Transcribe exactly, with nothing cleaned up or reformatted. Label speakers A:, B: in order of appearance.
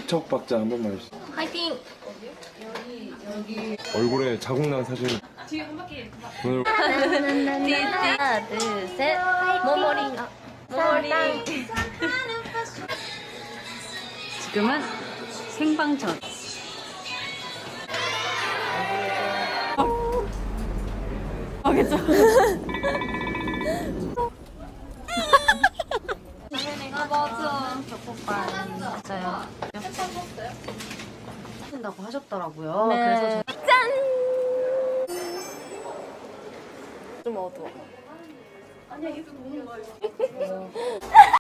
A: 척박자 한 번만 해주세요.
B: 화이팅!
A: 얼굴에 자국 난 사진. 오늘
B: 하나, 둘, 셋. 모모링. 아, 모모링.
C: 지금은 생방전. 알겠죠?
B: 아, 맞아. 족볶이 맞아요.
C: 하신다고 하셨더라고요.
B: 네.
C: 그래서
B: 짠! 좀 어두워.